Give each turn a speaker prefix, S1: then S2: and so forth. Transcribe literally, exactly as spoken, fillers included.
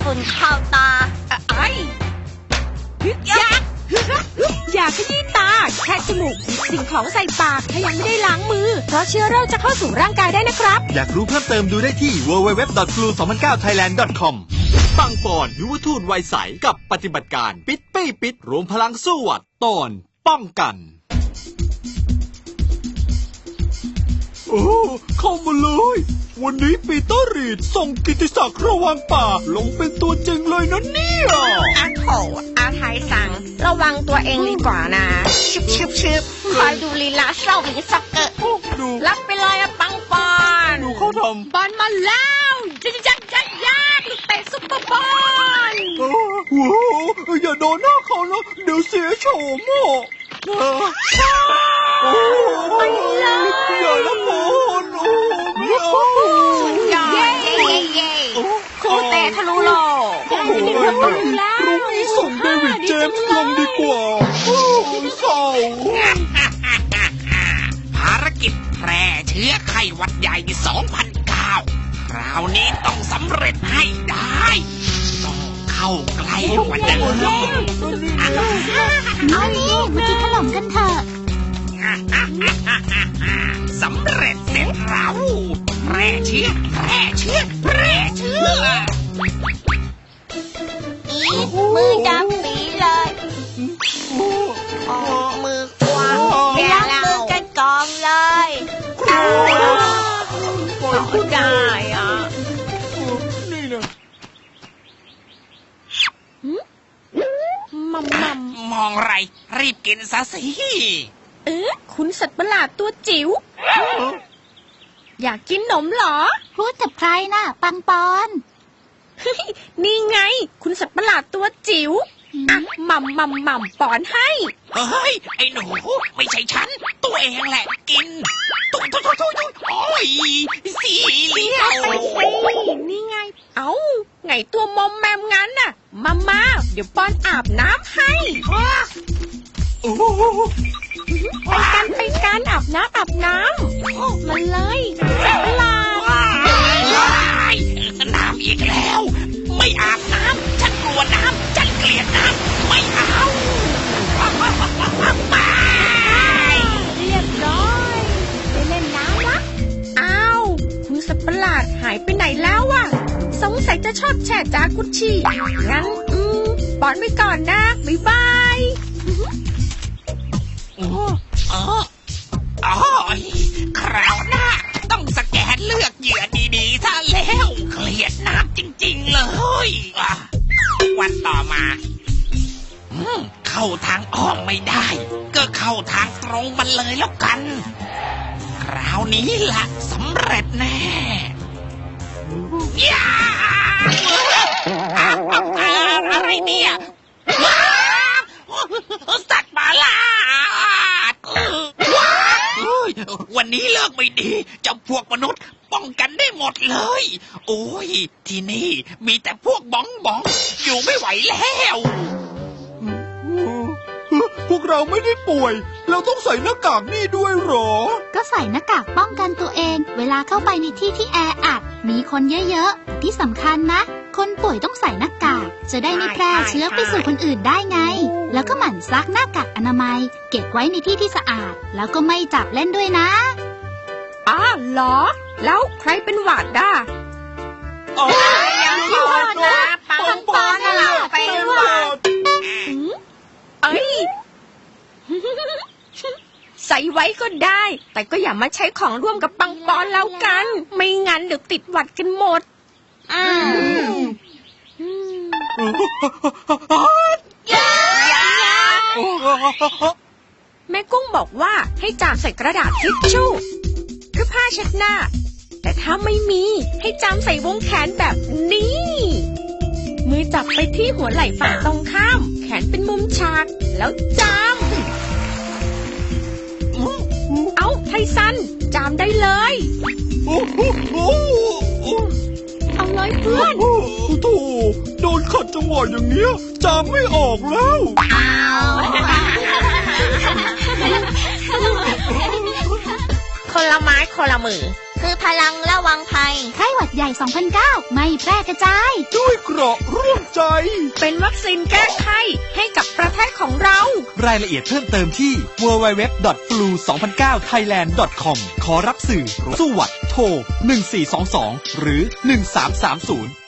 S1: ฝุ่นเข้าตาไอ้อยากอยากขยี้ตาแค่จมูกสิ่งของใส่ปากถ้ายังไม่ได้ล้างมือเพราะเชื้อโรคจะเข้าสู่ร่างกายได้นะครับ
S2: อยากรู้เพิ่มเติมดูได้ที่ ดับเบิลยู ดับเบิลยู ดับเบิลยู ดอท ฟลู สองพันเก้า ไทยแลนด์ ดอท คอม ปังปอนยุวทูตวัยใสกับปฏิบัติการปิดปี้ปิดรวมพลังสู้หวัดตอนป้องกันโอ้เข้ามาเลยวันนี้ปีเตอร์รีดส่งกิตติศักดิ์ระวังป่าลงเป็นตัวจริงเลยนะเนี่ย
S1: อาโถอาไทยสั่งระวังตัวเองดีกว่านะชิบชิบชิบคอยดูลีลาเศร้ามีสักเกะรับไปเลยอะปังปอน
S2: ดูเขาทำ
S1: บอลมาแล้วจะจะจะยากลูกเตะซุปเปอร์บอล
S2: โอ้โหอย่าโดนหน้าเขานะเดี๋ยวเสียโฉมอ่ะ
S1: ไปเลย
S2: อย่าละพอนโอ้ไม่เอา
S1: สุดยอดเย้เย้เย้ครูเตะทะลุโลก
S2: ได้จะมีคนบ้างแล้วพรุ่งนี้ส่งเดวิดเจมส์ลงดีกว่าเศร้า
S3: ภารกิจแพร่เชื้อไข้หวัดใหญ่สองพันเก้าคราวนี้ต้องสำเร็จให้ได้ต้องเข้าใกล้กว่าเดิม
S1: เอานี่มากินขนมกันเถอะ
S3: สำเร็จเสร็จเราแพร่เชื้อแพร่เชื้อแพร่เชื้อ
S1: อีมือดำปีเลยออกมือขวาล้างมือกันก่อนเลยก็ได้อ่ะ
S2: นี่นะ
S1: มัมมัม
S3: มองไรรีบกินซะสิ
S1: เอ๊ะคุณสัตว์ประหลาดตัวจิ๋วอยากกินขนมเหรอ
S4: พูดกับใครน่ะปังปอน
S1: นี่ไงคุณสัตว์ประหลาดตัวจิ๋วอ่ะมัมมัมมัมปอนให้
S3: เฮ้ยไอ้หนูไม่ใช่ฉันตัวเองแหละกินตุ๊ตุ๊ตุ๊ตุ๊โอ้ยสีเหลี่ยม
S1: นี่ไงเอ้าไงตัวมอมแมมงั้นน่ะมามาเดี๋ยวปอนอาบน้ำให้ไปกันไปกันอาบน้ำอาบน้ำมันเลยสัตว์ประหลาด
S3: น้ำอีกแล้วไม่อาบน้ำฉันกลัวน้ำฉันเกลียดน้ำไม่เอา
S1: เรียบร้อยไปเล่นน้ำละอ้าวคุณสัตว์ประหลาดหายไปไหนแล้วอ่ะสงสัยจะชอบแช่จากุชชี่งั้นอืมปอนไปก่อนนะบ๊ายบาย
S3: อ๋ออ๋อคราวหน้าต้องสแกนเลือกเหยื่อดีๆซะแล้วเกลียดน้ำจริงๆเลยวันต่อมาเข้าทางอ้อมไม่ได้ก็เข้าทางตรงมันเลยแล้วกันคราวนี้ล่ะสำเร็จแน่ย่าอะไรเนี่ยสัตว์ประหลาดวันนี้เลิกไม่ดีเจ้าพวกมนุษย์ป้องกันได้หมดเลยโอ้ยที่นี่มีแต่พวกบ้องบ้องอยู่ไม่ไหวแล้ว
S2: พวกเราไม่ได้ป่วยเราต้องใส่หน้ากากนี่ด้วยหรอ
S4: ก็ใส่หน้ากากป้องกันตัวเองเวลาเข้าไปในที่ที่แออัดมีคนเยอะๆที่สำคัญนะคนป่วยต้องใส่หน้ากากจะได้ไม่แพร่เชื้อไปสู่คนอื่นได้ไงแล้วก็หมั่นซักหน้ากากอนามัยเก็บไว้ในที่ที่สะอาดแล้วก็ไม่จับเล่นด้วยนะ
S1: อ้าเหรอแล้วใครเป็นหวัดด่ะ
S2: อ๋อยัง
S1: พอนะปังปอนน่ะเป็นหวัดเอ้ยใส่ไว้ก็ได้แต่ก็อย่ามาใช้ของร่วมกับปังปอนแล้วกันไม่งั้นเดี๋ยวติดหวัดกันหมดอืมแม่กุ้งบอกว่าให้จามใส่กระดาษทิชชู่คือผ้าเช็ดหน้าแต่ถ้าไม่มีให้จามใส่วงแขนแบบนี้มือจับไปที่หัวไหล่ฝั่งตรงข้ามแขนเป็นมุมฉากแล้วจามเอาไทซันจามได้เลยเอาเลยเพื่อน
S2: โธ่โดนขัดจังหวะอย่างเงี้ยจามไม่ออกแล้ว
S1: คนละไม้คนละมือ
S5: คือพลังระวังภัย
S4: ไข้หวัดใหญ่ สองพันเก้า ไม่แพร่กระจาย
S2: ด้วยเกราะร่วมใจ
S1: เป็นวัคซีนแก้ไข้ให้กับประเทศของเรา
S2: รายละเอียดเพิ่มเติมที่ ดับเบิลยู ดับเบิลยู ดับเบิลยู ดอท ฟลู สองพันเก้า ไทยแลนด์ ดอท คอม ขอรับสื่อสู้หวัดโทรหนึ่งสี่สองสองหรือหนึ่งสามสามศูนย์